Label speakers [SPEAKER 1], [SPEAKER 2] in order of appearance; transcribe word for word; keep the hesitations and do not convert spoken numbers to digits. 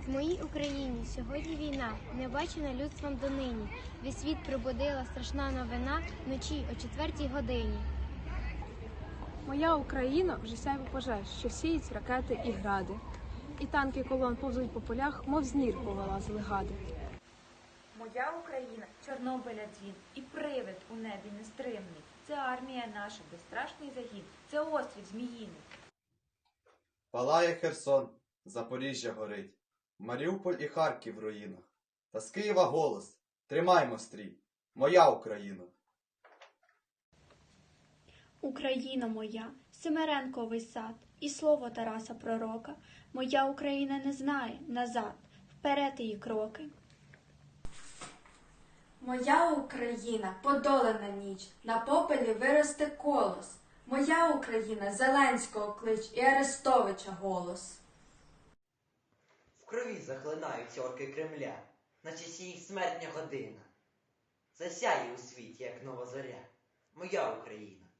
[SPEAKER 1] В моїй Україні сьогодні війна, не бачена людством донині. Весь світ пробудила страшна новина вночі о четвертій годині.
[SPEAKER 2] Моя Україна вже сяйво пожеж, що сіють ракети і гради. І танки колон повзуть по полях, мов з нір повилазили гади.
[SPEAKER 3] Моя Україна – Чорнобиля дзвін і привид у небі нестримний. Це армія наша, безстрашний загін, це острів Зміїний.
[SPEAKER 4] Палає Херсон, Запоріжжя горить, Маріуполь і Харків в руїнах. Та з Києва голос: тримаймо стрій, моя Україна!
[SPEAKER 5] Україна моя, Семеренковий сад, і слово Тараса Пророка. Моя Україна не знає назад, вперед її кроки.
[SPEAKER 6] Моя Україна, подолана ніч, на попелі виросте колос. Моя Україна, Зеленського клич і Арестовича голос.
[SPEAKER 7] В крові захлинаються орки Кремля, наче сіє смертня година. Засяє у світі, як нова зоря, моя Україна.